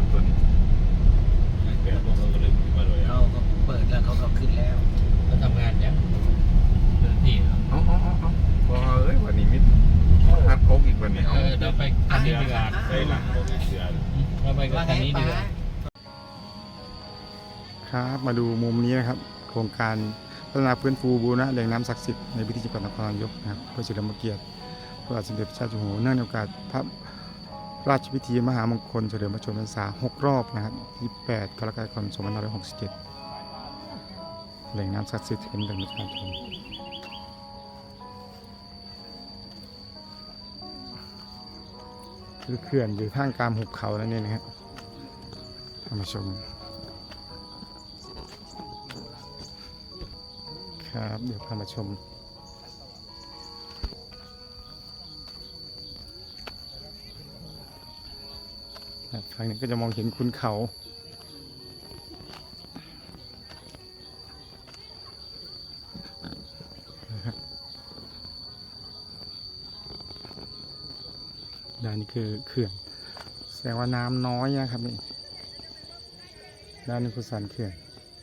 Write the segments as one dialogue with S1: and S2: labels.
S1: ตัวนี้แกพวกเราก็เลยมาเลย
S2: เขาก็เปิดแล้วเขาก็ขึ้นแล้วเขาทำงานเนี่ยเดินที่
S1: เอาพอวันนี้มิดฮัดโคกอีกวันนี้
S2: เราไปคันนี้ดีกว่า
S1: ได้หลังโคกเสือ
S2: เราไปคันนี้ดีกว่า
S3: ครับมาดูมุมนี้นะครับโครงการพัฒนาฟื้นฟูบูรณะแหล่งน้ำศักดิ์สิทธิ์ในพื้นที่จังหวัดนครนายกนะครับเพื่อเฉลิมพระเกียรติพระบาทสมเด็จพระเจ้าอยู่หัวเนื่องในโอกาสพระราชพิธีมหามงคลเฉลิมพระชนมพรรษา6 รอบนะครับ28 กรกฎาคม 2567แหล่งน้ำศักดิ์สิทธิ์เป็นแหล่งประชาชนคือเขื่อนอยู่ท่ามกลางหุบเขานั่นเองนะครับท่านผู้ชมครับเดี๋ยวพามาชมฝั่งนี้ก็จะมองเห็นคุณเขาด้านนี้คือเขื่อนแสดงว่าน้ำน้อยนะครับนี่ด้านนี้คือสันเขื่อน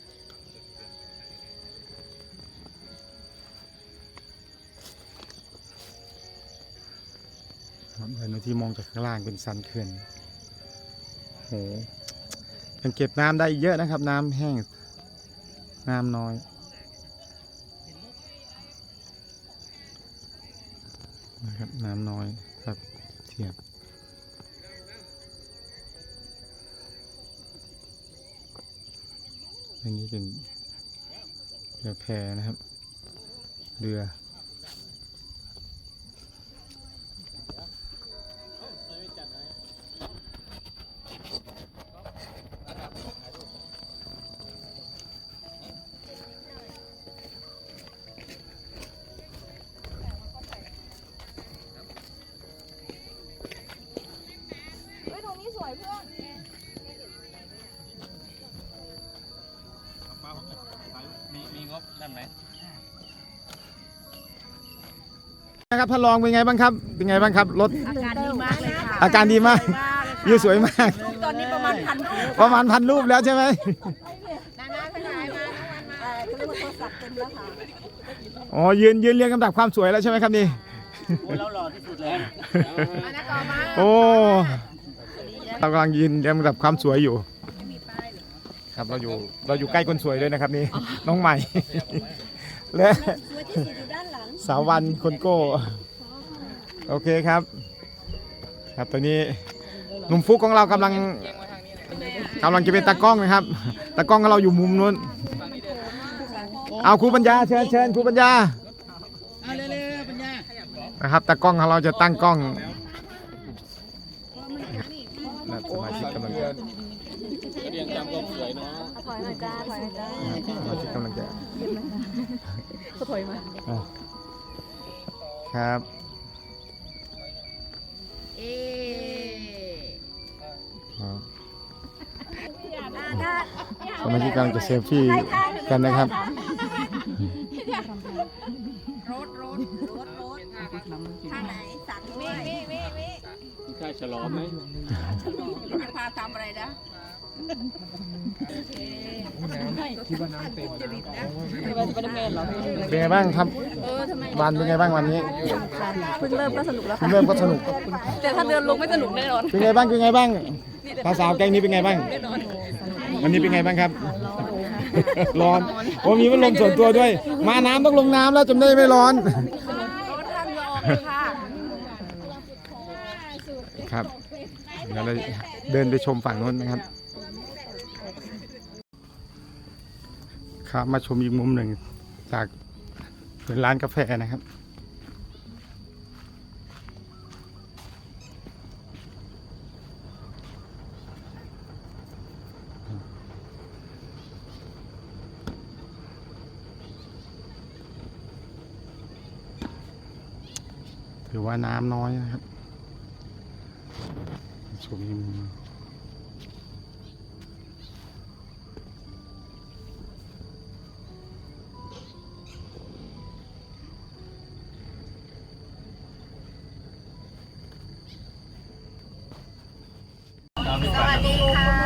S3: เห็นที่มองจากข้างล่างเป็นสันเขื่อนโหยังเก็บน้ำได้เยอะนะครับน้ำแห้งน้ำน้อยนะครับน้ำน้อยครับเทียบอันนี้เป็นเรือแพนะครับเรือ
S2: มีงบได้ไหม
S3: นะครับท่านรองเป็นไงบ้างครับเป็นไงบ้างครับรถ
S4: อาการดีมากเลยค่ะ
S3: อาการดีมากวิวสวยมาก
S4: ตอนนี้ประมาณ
S3: 1,000 รูปแล้วใช่ไหม
S4: นาขยายมาเขาเรียกว่าโทรศัพท์เต็มแล้วค่ะ
S3: อ๋อยืนเรียงลำดับความสวยแล้วใช่ไหมครับนี่
S2: เราหล่อที่สุดแล้ว
S3: โอ้เรากำลังยืนเรียงลำดับความสวยอยู่ครับเราอยู่ใกล้คนสวยด้วยนะครับนี่น้องใหม่และสาววันคนโก้โอเคครับครับตอนนี้หนุ่มฟุกของเรากำลังจะเป็นตากล้องนะครับตากล้องของเราอยู่มุมนู้นเอาครูปัญญาเชิญครูปัญญา
S2: เร็วปัญญา
S3: นะครับตากล้องของเราจะตั้งกล้องสมาชิกกำลังจะ
S2: เรียงจำความสวยเนาะ
S4: ถอยหน่อยจ้าถอยหน่อยจ้า
S3: สมาชิกกำลังจะ
S4: ก็ถอยมา
S3: ครับสมาชิกกำลังจะเซลฟี่กันนะครับ
S4: ทางไหนสักมี
S2: ค่าฉลองไหม
S4: จะพาทำอะไรนะ
S3: ที่บ้านน้ำเต็มเป็นไงบ้างครับวันเป็นไงบ้างวันนี้
S4: เพิ่งเริ่มก็สนุกแล้วค่ะ
S3: เริ่มก็สนุก
S4: แต่ถ้าเดินลงไม่สนุกแน่นอน
S3: เป็นไงบ้างสาวแก๊งนี้เป็นไงบ้างวันนี้เป็นไงบ้างครับร้อนโอ้มีพัดลมส่วนตัวด้วยมาน้ำต้องลงน้ำแล้วจำได้ไม่ร้อนครับเดี๋ยวเราเดินไปชมฝั่งโน้นนะครับครับมาชมอีกมุมหนึ่งจากเป็นร้านกาแฟนะครับถือว่าน้ำน้อยนะครับชมอีกมุม
S4: สวัสดีค่ะ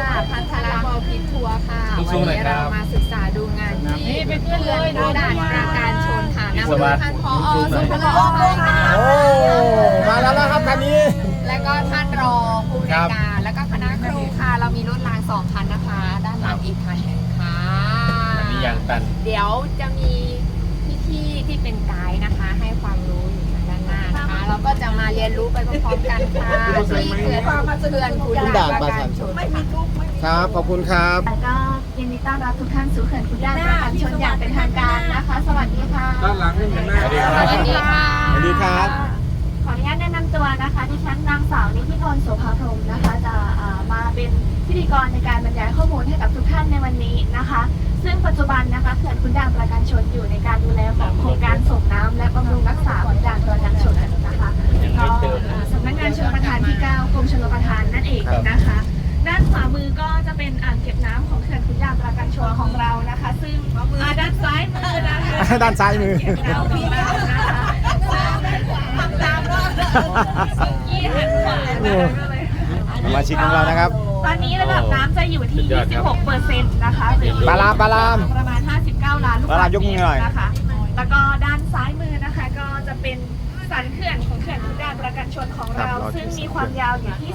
S5: ทัวร์ค่ะวันนี้เรามาศึกษาดูงานที่เขื่อนขุนด่านปราการชนค่ะนำโดยท่านผอ.สุภลักษณ์ค่ะ
S3: โอ้มาแล้วนะครับคันนี้
S5: และก็ท่านรองผู้ในวยการและก็คณะครูค่ะ เรามีรถราง2 คันนะคะ ด้านหลังอีกคันหนึ่งค่ะ
S2: มียางตัน
S5: เดี๋ยวจะมีพี่ๆที่เป็นไกด์นะคะ ให้ความรู้อยู่ทางด้านหน้านะคะ เราก็จะมาเรียนรู้ไปพร้อมๆกันค่ะที่เขื่อนขุนด่านปราการชนค่ะ
S3: ครับขอบคุณครับ
S6: แล้วก็ยินดีต้อนรับทุกท่านสู่เขื่อนขุนด่านปราการชนอย่างเป็นทางการนะคะ สวัสดีค่ะ
S1: ด้านหลังนี่เห็นหน้า
S2: สวัสดีครับ
S5: สวัสดีค่ะ
S3: สวัสดีครับ
S6: ขออนุญาตแนะนำตัวนะคะดิฉันนางสาวนิธิพรโสภาพรหมนะคะ จะมาเป็นพิธีกรในการบรรยายข้อมูลให้กับทุกท่านในวันนี้นะคะ ซึ่งปัจจุบันนะคะเขื่อนขุนด่านปราการชนอยู่ในการดูแลของโครงการส่งน้ำและบำรุงรักษาขุนด่านปราการชนนะคะก็สำนักงานชลประทานที่ 9 กรมชลประทานนั่นเองนะคะ ด้านขวามือก็จะเป็นอ่างเก็บน้ำของเขื่อนขุนด่านปราการชนของเรานะคะ ซึ่งด้านซ้ายมือนะคะ
S3: ด้านซ้ายมือ
S6: เก็บน้ำของเรานะคะตามรอบยี่หันขวานะคะเลย
S3: สมาชิกของเรานะครับ
S6: ตอนนี้ระดับน้ำจะอยู่ที่ 26%นะคะหรือ
S3: ปลาลามปลาลาม
S6: ประมาณ 59 ล้านลูก
S3: ปลาลามยกมือหน่อย
S6: นะคะ แล้วก็ด้านซ้ายมือนะคะก็จะเป็นสันเขื่อนของเขื่อนขุนด่านปราการชนของเรา ซึ่งมีความยาวอยู่ที่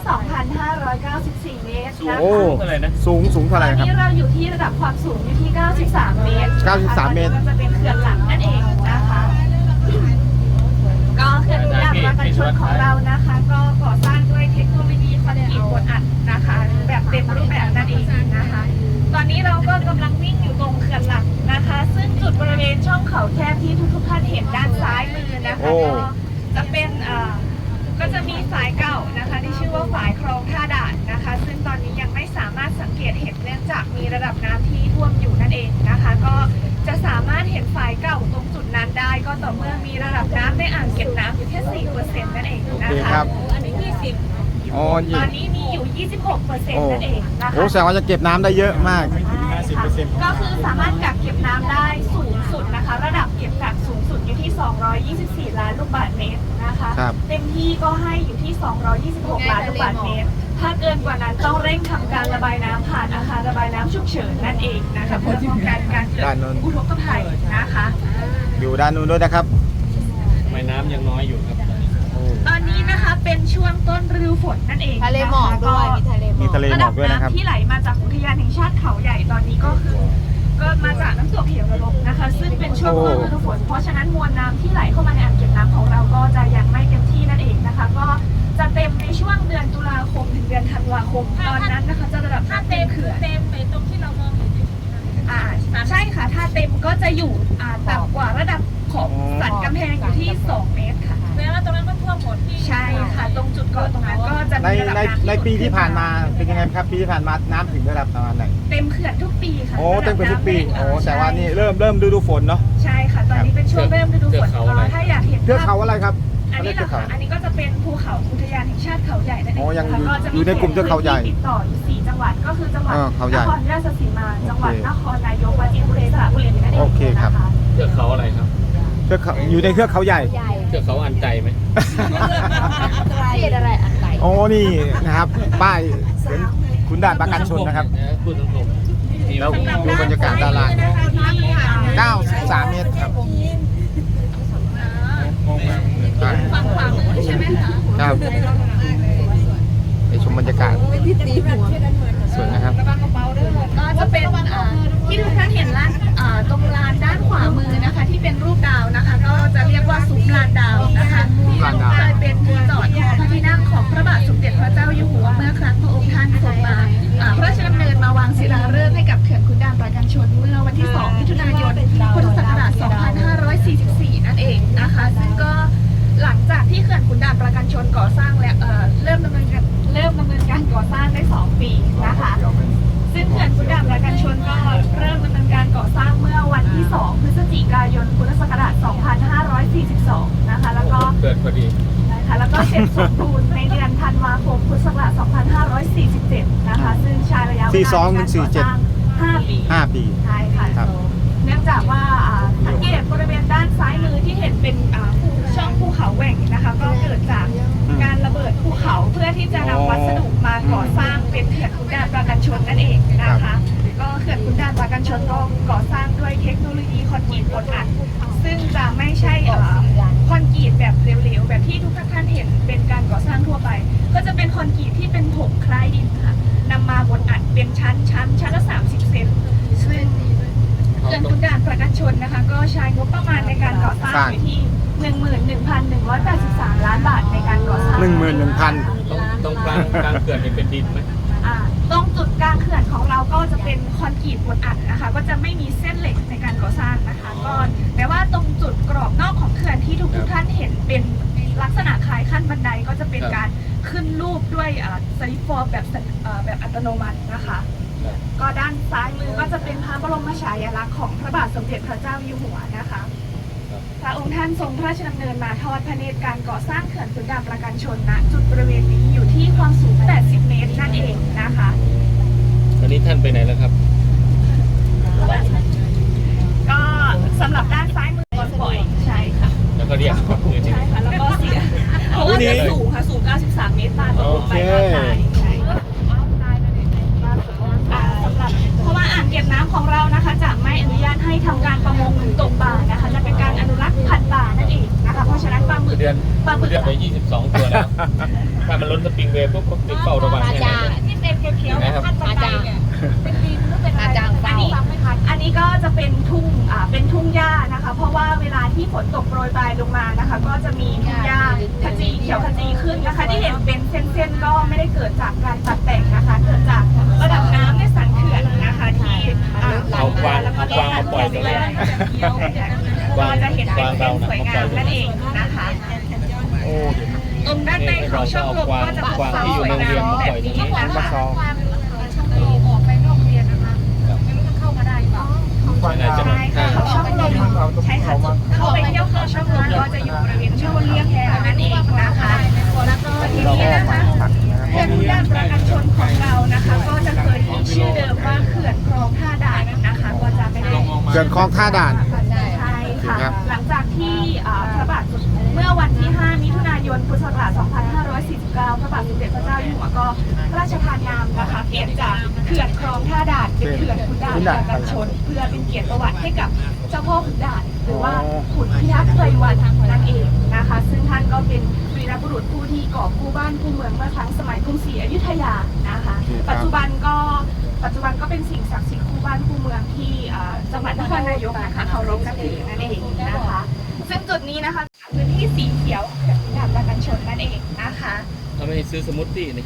S6: 2,594 เมตรนะคะ
S3: โอ้สูงเท่าไหร่
S6: ตอน
S3: ครับ
S6: นี้เราอยู่ที่ระดับความสูงอยู่ที่ 93 เมตรนะคะ
S3: 93เมตร
S6: ก็จะเป็นเขื่อนหลังนั่นเองนะคะ ก็เขื่อนขุนด่านปราการชนของเรานะคะ ก็ก่อสร้างด้วยเทคโนโลยีคอนกรีตบดอัดนะคะ แบบเต็มรูปแบบนั่นเองนะคะ ตอนนี้เราก็กำลังวิ่งอยู่ตรงเขื่อนหลักนะคะ ซึ่งจุดบริเวณช่องเขาแคบที่ทุกท่านเห็นด้านซ้ายมือนะคะ
S3: โอ้
S6: ก็จะเป็นก็จะมีฝายเก่านะคะที่ชื่อว่าฝายคลองท่าด่านนะคะ ซึ่งตอนนี้ยังไม่สามารถสังเกตเห็นเนื่องจากมีระดับน้ำที่ท่วมอยู่นั่นเองนะคะ ก็จะสามารถเห็นฝายเก่าตรงจุดนั้นได้ ก็ต่อเมื่อมีระดับน้ำในอ่างเก็บน้ำอยู่แค่ 4% นั่นเอง
S3: โอ
S6: นะ
S3: เค
S6: คะ
S3: ครับ
S6: อันนี้20
S3: อ๋อ
S6: ตอนนี้มีอยู่ 26% นั่นเองนะคะ
S3: โอ้แสดงว่าจะเก็บน้ำได้เยอะมาก
S6: ก็คือสามารถกักเก็บน้ำได้สูงสุดนะคะ ระดับเก็บกักสูงสุดอยู่ที่ 224 ล้านลูกบาศก์เมตรนะคะ
S3: ครับ
S6: เต็มที่ก็ให้อยู่ที่ 226 ล้านลูกบาศก์เมตร ถ้าเกินกว่านั้นต้องเร่งทำการระบายน้ำผ่านอาคารระบายน้ำฉุกเฉินนั่นเองนะคะเพื่อป้องกันการเกิด
S3: ด้านโน้น
S6: อุทกภัยนะคะ
S3: อยู่ด้านนู้นด้วยนะครับ
S2: ทำไมน้ำยังน้อยอยู่ครับ
S6: ตอนนี้นะคะเป็นช่วงต้นฤดูฝนนั่นเอง
S5: ทะเลหมอกด้วย มีทะเลหมอก
S3: มีทะเลหมอกด้วยนะครับ
S6: ระดับน้ำที่ไหลมาจากอุทยานแห่งชาติเขาใหญ่ตอนนี้ก็คือ ก็มาจากน้ำตกเหวระลบนะคะ ซึ่งเป็นช่วงต้นฤดูฝนเพราะฉะนั้นมวลน้ำที่ไหลเข้ามาในอ่างเก็บน้ำของเราก็จะยังไม่เต็มที่นั่นเองนะคะ ก็จะเต็มในช่วงเดือนตุลาคมถึงเดือนธันวาคมตอนนั้นนะคะจะระดับน้ำเต็มเขื่อน
S4: เต็มไปตรงที่เรามองเห็นอยู่
S6: ใช่ค่ะถ้าเต็มก็จะอยู่ต่ำกว่าระดับของสันกำแพงอยู่ที่ 2 เมตรค่ะ
S4: แปลว่าตรงนั้นก็ท่วมหมดที่
S6: ใช่ค่ะตรงจุดเกาะตรงนั้นก็จะ
S3: ใน
S6: มีระดับ
S3: ใน
S6: น้ำ
S3: ในปีที่ผ่านมาเป็นยังไงครับ ปีที่ผ่านมาน้ำถึงระดับประมาณไหน
S6: เต็มเขื่อนทุกปีค่ะ
S3: โอ้เต็มเป็นทุกปี
S6: ระดับน้ำ
S3: โอ้แต่ว่านี่เริ่มฤดูฝนเนาะ
S6: ใช่ค่ะตอนนี้เป็นช่วงเริ่มฤดูฝนก็ถ้าอยากเห็น
S3: เทือกเขาอะไรครับ
S6: อันนี้
S3: เทื
S6: เหร
S3: อก
S6: อ
S3: เขา
S6: คะอันนี้ก็จะเป็นภูเขาอุทยานแห่งชาติเขาใหญ่นั่นเอง
S3: โอ้ยัง
S6: ค่ะก็จะ
S3: อยู่ในกลุ่มเทือกเขาใหญ่
S6: ติดต่ออยู่4จังหวัดก็คือจังหวัด
S3: เขาใหญ่
S6: นครราชสีมาจังหวัด
S3: โอเค
S6: นครนายกปราจีนบุรีสระบุรีนั่นเอง
S3: โอเคครับ
S6: นะะ
S2: เทือกเขาอะไรครับ
S3: เทือกเขาอยู่ในเทือกเขาใหญ่
S2: เทือกเขาอันใจไหม
S5: ที่อะไรอันไหน
S3: โอ้นี่นะครับ ป้ายเขียนขุนด่านปราการชนนะครับ
S2: พูดตรงๆ
S3: แล้วดูบรรยากาศด้านล่าง 93 เมตรครับ
S6: ฝั่งขวามือใช่ไหมคะ
S3: ครับไปชมบรรยากาศสวยนะครับ
S6: ก็จะเป็นที่ทุกท่านเห็นร้านตรงลานด้านขวามือนะคะ ที่เป็นรูปดาวนะคะ ก็จะเรียกว่าซุ้มลานดาวนะคะ
S3: ลานดาว
S6: เคยเป็นที่จอดของพระที่นั่งของพระบาทสมเด็จพระเจ้าอยู่หัวเมื่อครั้งพระองค์ท่านทรงมาพระราชดำเนินมาวางศิลาฤกษ์ให้กับเขื่อนขุนด่านปราการชนเมื่อวันที่ 2 มิถุนายน พุทธศักราช 2544 นั่นเองนะคะซึ่งก็หลังจากที่เขื่อนขุนด่านปราการชนก่อสร้างและเริ่มดำเนินการก่อสร้างได้ 2 ปีนะคะ ซึ่งเขื่อนขุนด่านปราการชนก็เริ่มดำเนินการก่อสร้างเมื่อวันที่ 2 พฤศจิกายน พุทธศักราช 2542 นะคะ แล้วก็
S2: เกิดพอดี
S6: นะคะแล้วก็เสร็จสมบูรณ์ในเดือนธันวาคม พุทธศักราช 2547 นะคะ ซึ่งใช้ระยะเวลาในการก่อสร้าง 5 ปี
S3: 5 ปี
S6: ใช่ค่ะ
S3: ครับ
S6: เนื่องจากว่าสังเกตบริเวณด้านซ้ายมือที่เห็นเป็นช่องภูเขาแหว่งนะคะ ก็เกิดจากการระเบิดภูเขาเพื่อที่จะนำวัสดุมาก่อสร้างเป็นเขื่อนขุนด่านปราการชนนั่นเองนะคะ ก็ขื่อนขุนด่านปราการชนก็ก่อสร้างด้วยเทคโนโลยีคอนกรีตบดอัดซึ่งจะไม่ใช่คอนกรีตแบบเหลวๆแบบที่ทุกท่านเห็นเป็นการก่อสร้างทั่วไปก็จะเป็นคอนกรีตที่เป็นผงคล้ายดินค่ะนำมาบดอัดเป็นชั้นละ30 เซนซึ่งเขื่อนขุนด่านปราการชนนะคะก็ใช้งบประมาณในการก่อสร้างอยู่ที่ 11,183 ล้านบาทในการก่อสร้าง
S3: 11,000
S2: ตรงกลางเขื่อนนี่เป็นดินไหม
S6: ตรงจุดกลางเขื่อนของเราก็จะเป็นคอนกรีตบดอัดนะคะก็จะไม่มีเส้นเหล็กในการก่อสร้างนะคะก็แต่ว่าตรงจุดกรอบนอกของเขื่อนที่ทุกท่านเห็นเป็นลักษณะคล้ายขั้นบันไดก็จะเป็นการขึ้นรูปด้วยสลิปฟอร์มแบบอัตโนมัตินะคะก็ด้านซ้ายมือก็จะเป็นพระบรมฉายาลักษณ์ของพระบาทสมเด็จพระเจ้าอยู่หัวนะคะพระองค์ท่านทรงพระราชดำเนินมาทอดพระเนตรการก่อสร้างเขื่อนขุนด่านปราการชนณจุดบริเวณนี้อยู่ที่ความสูง 80 เมตรนั่นเองนะคะ
S2: ตอนนี้ท่านไปไหนแล้วครับ
S6: ก็สำหรับด้านซ้ายมือบ่อยใช่ค่ะ
S2: แล้วก็เรียกก่อนเลยที่
S6: ใช่ค่ะแล้วก็เสียเพราะว่าสูงค่ะสูง 93 เมตรตามลงไปใช่สำหรับเพราะว่าอ่างเก็บน้ำของเรานะคะจะไม่อนุญาตให้ทำการประมงหรือตกปลานะคะจะเป็นการอนุรักษ์พันธุ์ปลานั่นเองนะคะเพราะฉะนั้นปลาหมึก
S2: เดือนไป22 ตัวแล้วถ้ามันล้นสปริงเวย์ปุ๊บก็ติดเฝ้าระวังให้นะ
S6: ที่เป็นเขียวๆขั้นบันไดเนี่ยเป็นดินหรือเป็นอะไรอันนี้ก็จะเป็นทุ่งหญ้านะคะเพราะว่าเวลาที่ฝนตกโปรยปลายลงมานะคะก็จะมีทุ่งหญ้าขจีเขียวขจีขึ้นนะคะที่เห็นเป็นเส้นๆก็ไม่ได้เกิดจากการตัดแต่งนะคะเกิดจากระดับน้ำในสันเขื่อนนะคะที่
S2: เอากวางมาปล่อยตรงนี้
S6: ก็จะเห็นเป็นสวยงามนั่นเองนะคะตรงด้านในของช่องลมก็จะปลูกสวยงามแบบนี้นะคะ
S5: ออกไปนอกเรียนนะคะไม่รู้จะเข้ามาได้เปล่า
S6: ใช่ค่ะเขาช่องลมใช่ค่ะเข้าไปเที่ยวเขาช่องลมก็จะอยู่บริเวณช่วงเลียงแพนั่นเองนะคะแล้วก็ทีนี้นะคะเขื่อนขุนด่านปราการชนของเรานะคะก็จะเคยมีชื่อเดิมว่าเขื่อนคลองท่าด่านนะคะก็จะไม่ได้
S3: เขื่อนคลองท่าด่าน
S6: ใช่ค่ะหลังจากที่พระบาทเมื่อวันที่ 5 มิถุนายน พุทธศักราช 2549 พระบาทสมเด็จพระเจ้าอยู่หัวก็พระราชทานนามนะคะเปลี่ยนจากเขื่อนคลองท่าด่านเป็นเขื่อนขุนด่านปราการชนเพื่อเป็นเกียรติประวัติให้กับเจ้าพ่อขุนด่านหรือว่าขุนพิทักษ์ไพรวันนั่นเองนะคะซึ่งท่านก็เป็นวีรบุรุษผู้ที่ก่อกู้บ้านกู้เมืองเมื่อครั้งสมัยกรุงศรีอยุธยานะคะปัจจุบันก็เป็นสิ่งศักดิ์สิทธิ์คู่บ้านคู่เมืองที่จังหวัดนครนายกนะคะเคารพนับถือนั่นเองนะคะซึ่งจุดนี้นะคะพื้นที่สีเขียวเขื่อนขุนด่านปราการชนนั่นเองนะคะ
S2: เราไม่ซื้อสมูทตี้นี่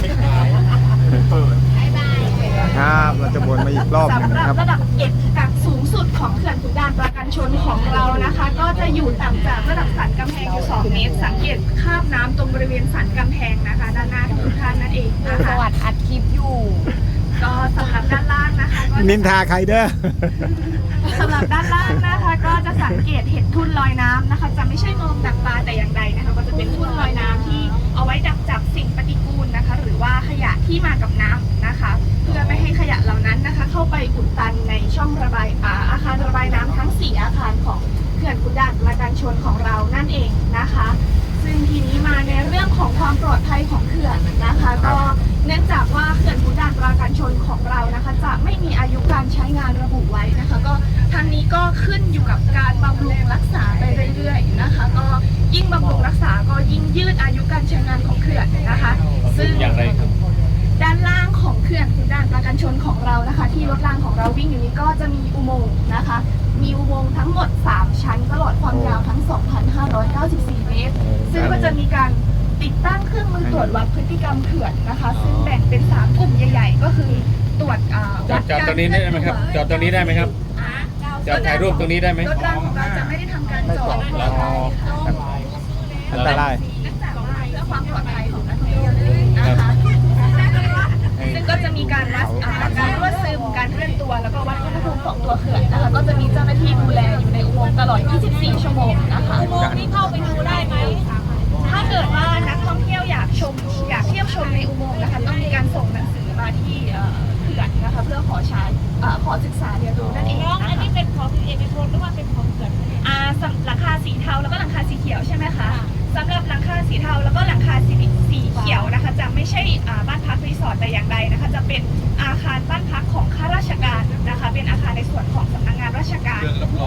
S3: ครับเราจะวนมาอีกรอบหนึง
S6: สำหรับ
S3: นะครับ
S6: ระดับเก็บกักสูงสุดของเขื่อนขุนด่านปราการชนของเรานะคะ ก็จะอยู่ต่ำจากระดับสันกำแพงอยู่ 2 เมตรสังเกตคราบน้ำตรงบริเวณสันกำแพงนะคะด้านหน้าทุกท่านนั่นเองนะ
S5: ป
S6: คะ
S5: ระวัติอัดคลิปอยู่
S6: ก็สำหรับด้านล่างนะคะก็
S3: นินทาใครเด้อ
S6: สำหรับด้านล่างนะคะก็จะสังเกตเห็นทุ่นลอยน้ำนะคะจะไม่ใช่โมงดักปลาแต่อย่างใดนะคะก็จะเป็นทุ่นลอยน้ำที่เอาไว้ดักจับสิ่งปฏิกูลนะคะหรือว่าขยะที่มากับน้ำนะคะเพื่อไม่ให้ขยะเหล่านั้นนะคะเข้าไปอุดตันในช่องระบายอาคารระบายน้ำทั้ง 4 อาคารของเขื่อนขุนด่านปราการชนของเรานั่นเองนะคะซึ่งทีนี้มาในเรื่องของความปลอดภัยของเขื่อนนะคะก็เนื่องจากว่าเขื่อนขุนด่านปราการชนของเรานะคะจะไม่มีอายุการใช้งานระบุไว้นะคะก็ทางนี้ก็ขึ้นอยู่กับการบำรุงรักษาไปเรื่อยๆนะคะก็ยิ่งบำรุงรักษาก็ยิ่งยืดอายุการใช้งานของเขื่อนนะคะซึ่ง
S2: อย่างไรครับ
S6: ด้านล่างของเขื่อนขุนด่านปราการชนของเรานะคะที่รถรางของเราวิ่งอยู่นี้ก็จะมีอุโมงค์นะคะมีอุโมงค์ทั้งหมด 3 ชั้นตลอดความยาวทั้ง 2,594 เมตรซึ่งก็จะมีการติดตั้งเครื่องมือตรวจวัดพฤติกรรมเขื่อนนะคะซึ่งแบ่งเป็น 3 กลุ่มใหญ่ๆก็คือตรวจ
S2: จอดตรงนี้ได้ไหมครับจอดตรงนี้ได้ไหมครับจอดถ่ายรูปตรงนี้ได้ไหม
S6: รถรางของเราจะไม่ได้ทำการจอด
S2: แล้ว
S3: อันตราย
S6: เนื่องจากว่าเพื่อความปลอดภัยของนักท่องเที่ยวนั่นเองนะคะซึ่งก็จะมีการวัดการรั่วซึมการเคลื่อนตัวแล้วก็วัดอุณหภูมิของตัวเขื่อนนะคะก็จะมีเจ้าหน้าที่ดูแลอยู่ในอุโมงค์ตลอด 24 ชั่วโมงนะคะอุโมงค์นี้เข้าไปดูได้ไหมถ้าเกิดว่านักท่องเที่ยวอยากเที่ยวชมในอุโมงค์นะคะต้องมีการส่งหนังสือมาที่เขื่อนนะคะเพื่อขอศึกษาเรียนรู้นั่นเองนะคะอันนี้เป็นของเอกชนหรือว่าเป็นของเขื่อนหลังคาสีเทาแล้วก็หลังคาสีเขียวใช่ไหมคะสำหรับหลังคาสีเทาแล้วก็หลังคาสีเขียวนะคะจะไม่ใช่บ้านพักรีสอร์ทแต่อย่างใดนะคะจะเป็นอาคารบ้านพักของข้าราชการ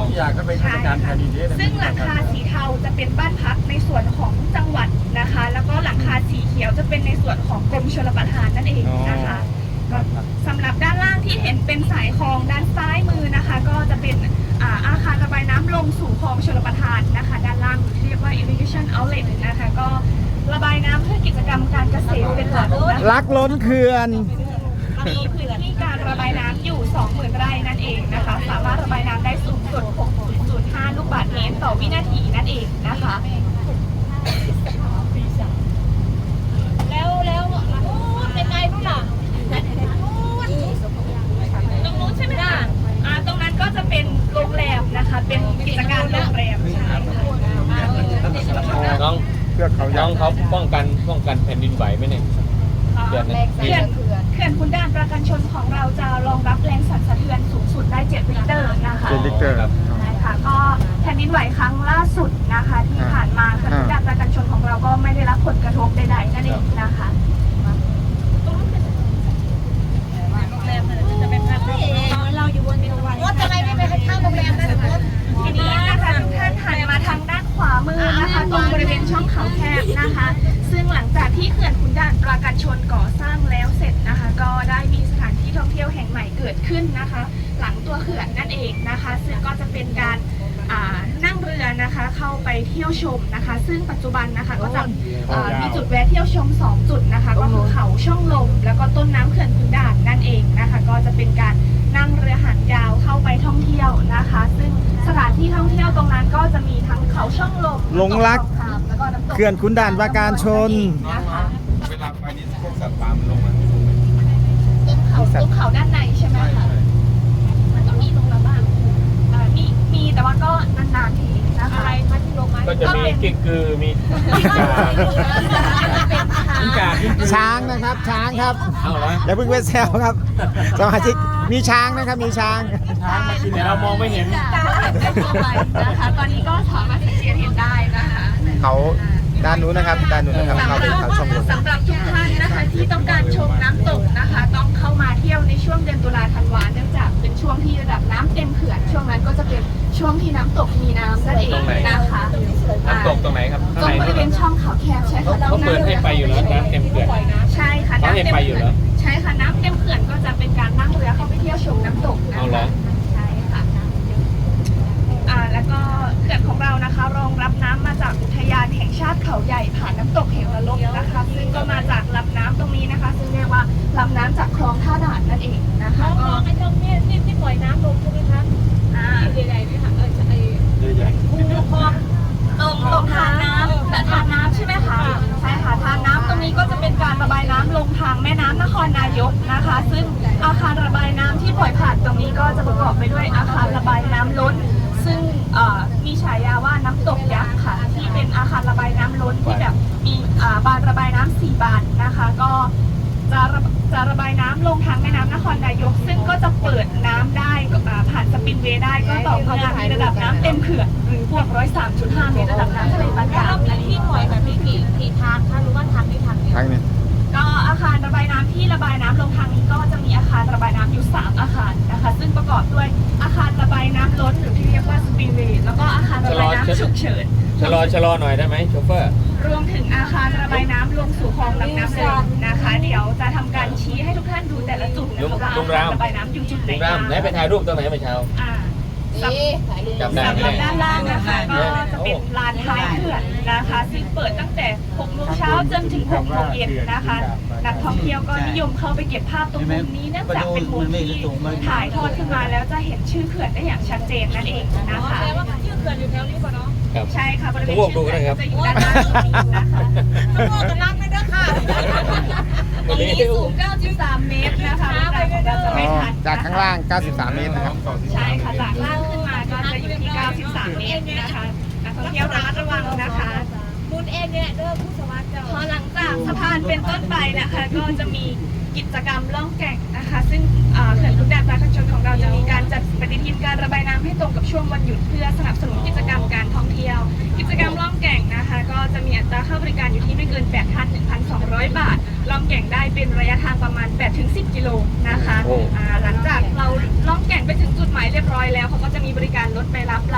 S1: อยากก็เป็นข้าราชการแผ่นดินเด้
S6: ซึ่งหลังคาสีเทาจะเป็นบ้านพักในส่วนของจังหวัดนะคะ แล้วก็หลังคาสีเขียวจะเป็นในส่วนของกรมชลประทานนั่นเองนะคะสำหรับด้านล่างที่เห็นเป็นสายคลองด้านซ้ายมือนะคะ ก็จะเป็นอาคารระบายน้ำลงสู่คลองชลประทานนะคะ ด้านล่างที่เรียกว่า irrigation outlet นะคะ ก็ระบายน้ำเพื่อกิจกรรมการเกษตรเป็นหลักนะคะ
S3: รักล้นเขื่อน
S6: มีพื้นที่การระบายน้ำอยู่ 20,000 ไร่นั่นเองนะคะ สามารถระบายน้ำได้สูงสุด 6.05 ลูกบาศก์เมตรต่อวินาทีนั่นเองนะคะ แล้วเป็นไงนู่นล่ะตรงนู้นใช่ไหมคะตรงนั้นก็จะเป็นโรงแรมนะคะ เป็นกิจการโรงแรมใช่ค่ะ
S2: น้อง
S3: เพื่อเขา
S2: น้องเขาป้องกันแผ่นดินไหวไหมเนี่ย
S6: เขื่อนขุนด่านประกันชนของเราจะรองรับแรงสั่นสะเทือนสูงสุดได้ 7 ริกเตอร์นะคะ
S3: เป็นลิกเตอร์
S6: ใช่ค่ะก็แผ่นดินไหวครั้งล่าสุดนะคะ ที่ผ่านมาเขื่อนขุนด่านประกันชนของเราก็ไม่ได้รับผลกระทบใดๆนั่นเองนะคะเราอยู่บนรถอะไรไม่ไปข้างโรงแรมนั่นทีนี้นะคะทุกท่านหันมาทางด้านขวามือนะคะตรงบริเวณช่องเขาแคบนะคะ ซึ่งหลังจากที่เขื่อนขุนด่านประการชนก่อสร้างแล้วเสร็จนะคะ ก็ได้มีสถานที่ท่องเที่ยวแห่งใหม่เกิดขึ้นนะคะ หลังตัวเขื่อนนั่นเองนะคะ ซึ่งก็จะเป็นการนั่งเรือนะคะเข้าไปเที่ยวชมนะคะ ซึ่งปัจจุบันนะคะก็จะมีจุดแวะเที่ยวชม2จุดนะคะก็คือเขาช่องลมแล้วก็ต้นน้ำเขื่อนขุนด่านนั่นเองนะคะ ก็จะเป็นการนั่งเรือหางยาวเข้าไปท่องเที่ยวนะคะ ซึ่งสถานที่ท่องเที่ยวตรงนั้นก็จะมีทั้งเขาช่องลม
S3: หลงรัก
S6: แล้วก็น้ำตก
S3: เขื่อนขุนด่านปราการชน
S6: นะคะ
S1: เวลาไปนี่พวกสัตว์ป่ามันลงมา
S6: ตรงเขาด้านในใช่ไหมคะมันก็มีตรงละบ้างมีแต่ว่าก็นานๆทีนะคะอะไรคะที่ลงมา
S2: ก็จะมีกิ๊กกือมีกิ้งก่า
S3: ช้างนะครับ ช้างครับ
S2: เอาเหรอ
S3: อย่าเพิ่งเวทแซวครับ สมาชิกมีช้างนะครับ มีช้าง
S2: แต่เรามองไม่เห็น
S6: นะคะตอนนี้ก็สามารถที่จะเห็นได้นะคะ
S3: เขาด้านนู้นนะครับ ด้านนู้นนะครับเขาเป็นเขาช่องลม
S6: สำหรับทุกท่านนะคะที่ต้องการชมน้ำตกนะคะ ต้องเข้ามาเที่ยวในช่วงเดือนตุลาธันวาเนื่องจากเป็นช่วงที่ระดับน้ำเต็มเขื่อนช่วงนั้นก็จะเป็นช่วงที่น้ำตกมีน้ำนั่นเองนะคะ
S2: น้ำตกตรงไหนครับ
S6: ตรงบริเวณช่องเขาแคบใช่ค่ะ
S2: เขาเปิดให้ไปอยู่แล้วน้ำเต็มเขื่อน
S6: ใช่ค่ะ
S2: เขาให้ไปอยู่เหรอ
S6: ใช่ค่ะน้ำเต็มเขื่อนก็จะเป็นการนั่งเรือเข้าไปเที่ยวชมน้ำตกนะ
S2: เอาเหรอ
S6: คะใช่ค่ะแล้วก็เขื่อนของเรานะคะรองรับน้ำมาจากอุทยานแห่งชาติเขาใหญ่ผ่านน้ำตกเหวลบนะคะ ซึ่งก็มาจากลำน้ำตรงนี้นะคะ ซึ่งเรียกว่าลำน้ำจากคลองท่าด่านนั่นเองนะคะก็ไอ้ตรงนี้ที่ปล่อยน้ำลงใช่ไหมคะใหญ่ๆนี่ค่ะตรงทานน้ำแต่ทานน้ำใช่ไหมคะใช่ค่ะทานน้ำตรงนี้ก็จะเป็นการระบายน้ำลงทางแม่น้ำนครนายกนะคะ ซึ่งอาคารระบายน้ำที่ปล่อยผ่านตรงนี้ก็จะประกอบไปด้วยอาคารระบายน้ำล้น ซึ่งมีฉายาว่าน้ำตกยักษ์ค่ะที่เป็นอาคารระบายน้ำล้นที่แบบมีบานระบายน้ำ4 บานนะคะก็จะระบายน้ำลงทางแม่น้ำนครนายก ซึ่งก็จะเปิดน้ำได้ผ่านสปินเวย์ได้ก็ต่อเมื่อมีระดับน้ำเต็มเขื่อนหรือพวก103.5 เมตรระดับน้ำทะเลปานกลางนั่นเอง
S4: ปล่อยแบบนี้กี่ทางคะหรือว่าทางนี้ทางเดียว
S3: ทางนี้
S6: ก็อาคารระบายน้ำที่ระบายน้ำลงทางนี้ก็จะมีอาคารระบายน้ำอยู่3 อาคารนะคะซึ่งประกอบด้วยอาคารระบายน้ำล้นหรือที่เรียกว่าสปินเวย์แล้วก็อาคารระบายน้ำฉุกเฉิน
S2: ชะลอหน่อยได้ไหมโชเฟอร์
S6: รวมถึงอาคารระบายน้ำลงสู่คลองลำน้ำเลยนะคะ เดี๋ยวจะทำการชี้ให้ทุกท่านดูแต่ละจุดนะคะว่าอาคารระบายน้ำอยู่จุดไหน
S2: ตรง
S6: บ้า
S2: ราง มไหนไปถ่ายรูปตรงไหนเมื่อเช้า จำได้
S6: สำ
S2: ไหม
S6: หรับ
S2: เนี่ย
S6: ด้านล่างนะคะก็จะเป็นลานท้ายเขื่อนนะคะซึ่งเปิดตั้งแต่6 โมงเช้าจนถึง6 โมงเย็นนะคะนักท่องเที่ยวก็นิยมเข้าไปเก็บภาพตรงมุมนี้เนื่องจากเป็นมุมที่ถ่ายทอดขึ้นมาแล้วจะเห็นชื่อเขื่อนได้อย่างชัดเจนนั่นเองนะคะ
S4: ชื่อเขื่อนอยู่แถวนี้ป่ะเนาะ
S2: ครับ
S6: ใช่ค่ะบริเวณ
S2: ทุกวงดูก็ได้ครับ
S6: จะอยู่ด้านล่างตรงนี้นะคะ
S4: ทั้งหมดจะรักไม่ได้ค่ะ
S6: ตรงนี้สูง 93 เมตรนะคะเราจะไม่ทัน
S3: จากข้างล่าง 93 เมตรนะครับ
S6: ใช่ค่ะจากล่างขึ้นมาก็จะอยู่ที่ 93 เมตรนะคะนักท่องเที่ยวระมัดระวังนะคะ
S4: บุญเองเนี่ยเด้อผู้สมัครเจ้า
S6: พอหลังจากสะพานเป็นต้นไปนะคะก็จะมีกิจกรรมล่องแก่งนะคะ ซึ่งเขื่อนขุนด่านปราการชนของเราจะมีการจัดปฏิทินการระบายน้ำให้ตรงกับช่วงวันหยุดเพื่อสนับสนุนกิจกรรมการท่องเที่ยว กิจกรรมล่องแก่งนะคะ ก็จะมีอัตราค่าบริการอยู่ที่ไม่เกิน 8,1,200 บาทล่องแก่งได้เป็นระยะทางประมาณ 8-10 กิโลนะคะหลังจากเราล่องแก่งไปถึงจุดหมายเรียบร้อยแล้วเขาก็จะมีบริการรถไปรับ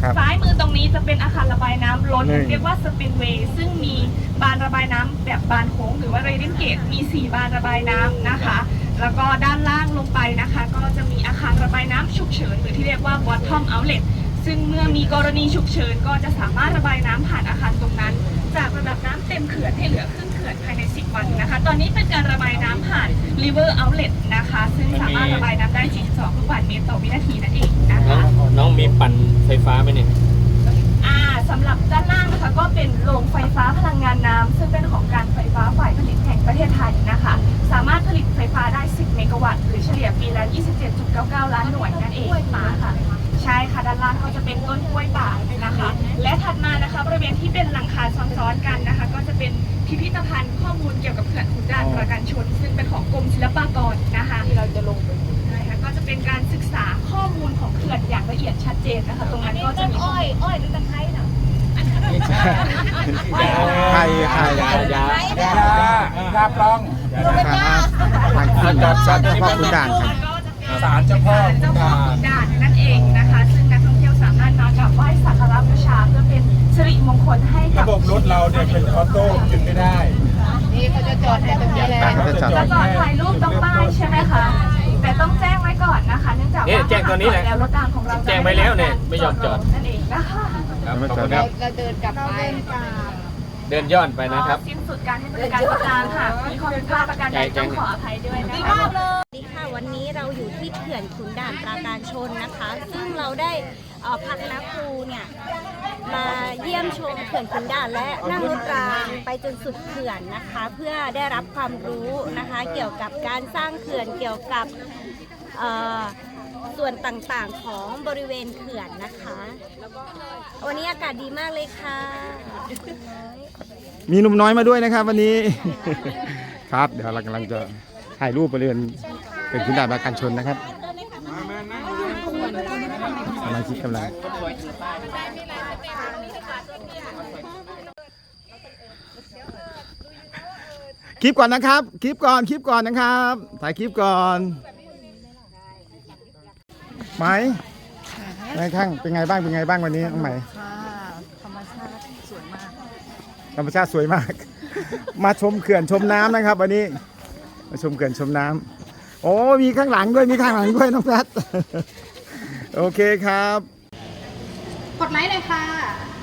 S3: ครับ
S6: ซ้ายมือตรงนี้จะเป็นอาคารระบายน้ำล้น
S3: นี่
S6: เรียกว่าสปินเวย์ซึ่งมีบานระบายน้ำแบบบานโค้งหรือว่าเรดินเกตมี 4 บานระบายน้ำนะคะ แล้วก็ด้านล่างลงไปนะคะ ก็จะมีอาคารระบายน้ำฉุกเฉินหรือที่เรียกว่า bottom outlet ซึ่งเมื่อมีกรณีฉุกเฉินก็จะสามารถระบายน้ำผ่านอาคารตรงนั้น จากระดับน้ำเต็มเขื่อนให้เหลือครึ่งเขื่อนภายใน 10 วันนะคะ ตอนนี้เป็นการระบายน้ำผ่าน river outlet นะคะ ซึ่งสามารถระบายน้ำได้ 42 ลูกบาศก์เมตรต่อวินาทีนั่นเองนะคะ
S2: น้องมีปั่นไฟฟ้าไหมเนี่ย
S6: สำหรับด้านล่างนะคะก็เป็นโรงไฟฟ้าพลังงานน้ำซึ่งเป็นของการไฟฟ้าฝ่ายผลิตแห่งประเทศไทยนะคะ สามารถผลิตไฟฟ้าได้ 10 เมกะวัตต์หรือเฉลี่ยปีละ 27.99 ล้านหน่วยนั่นเองค่ะใช่ค่ะด้านล่างก็จะเป็นต้นกล้วยป่านะคะ และถัดมานะคะบริเวณที่เป็นหลังคาซ้อนๆกันนะคะ ก็จะเป็นพิพิธภัณฑ์ข้อมูลเกี่ยวกับเขื่อนขุนด่านปราการชน ซึ่งเป็นของกรมศิลปากรนะคะที่เราจะลงไปก็จะเป็นการศึกษาข้อมูลของเขื่อนอย่างละเอียดชัดเจนนะคะตรงนั้นก็จะมีอ้อยหรือตะไคร้เนาะ
S3: ไข่ไข่
S2: ยา
S1: ยาปลอง
S3: ทางขึ้นสารเจ้าพ่อขุนด่านครับ
S1: ศาลเจ้าพ่อ
S6: เจ้าพ่อขุนด่านนั่นเองนะคะ ซึ่งนักท่องเที่ยวสามารถมากราบไหว้สักการะบูชาเพื่อเป็นสิริมงคลให้กับ
S1: ระบบรถเราเนี่ยเป็นออโต้หยุดไม่ได้
S5: นี่เขาจะจอดให้ตรงนี้เลย
S3: จะจอด
S6: จะจอดถ่ายรูปตรงป้ายใช่ไหมคะ แต่ต้องแจ้งไว้ก่อนนะคะ เนื่องจาก
S2: นี่
S6: ว่า
S2: แจ้งตัวนี้แหละ
S6: แล้วรถตามของเรา
S2: แจ้งไว้แล้วเนี่ยไม่ยอมจอด
S6: นั่นเองนะคะ
S2: ครับขอบคุณครับ
S5: เราเดินกลับไป
S2: เดินย้อนไปนะครับ
S6: สิ้นสุดการให้บริการประการค่ะมีข้อผิดพลาดประการใดต้องขออภัยด้วยนะคะ
S4: สวัสดีค่ะวันนี้เราอยู่ที่เขื่อนขุนด่านปราการชนนะคะ ซึ่งเราได้พาคณะครูเนี่ยมาเยี่ยมชมเขื่อนขุนด่านและนั่งรถรางไปจนสุดเขื่อนนะคะ เพื่อได้รับความรู้นะคะ เกี่ยวกับการสร้างเขื่อนเกี่ยวกับส่วนต่างๆของบริเวณเขื่อนนะคะ วันนี้อากาศดีมากเลยค่ะ
S3: มีหนุ่มน้อยมาด้วยนะครับวันนี้ ครับเดี๋ยวเรากำลังจะถ่ายรูปบริเวณเป็นขุนด่านปราการชนนะครับสมาชิกกำลังคลิปก่อนนะครับคลิปก่อนนะครับถ่ายคลิปก่อนไหมไงข้างเป็นไงบ้างวันนี้น้องไหมธรรมชาติสวยมาก มาชมเขื่อนชมน้ำนะครับวันนี้มาชมเขื่อนชมน้ำโอ้มีข้างหลังด้วยน้องแพท โอเคครับ
S5: กดไลค์เลยค่ะ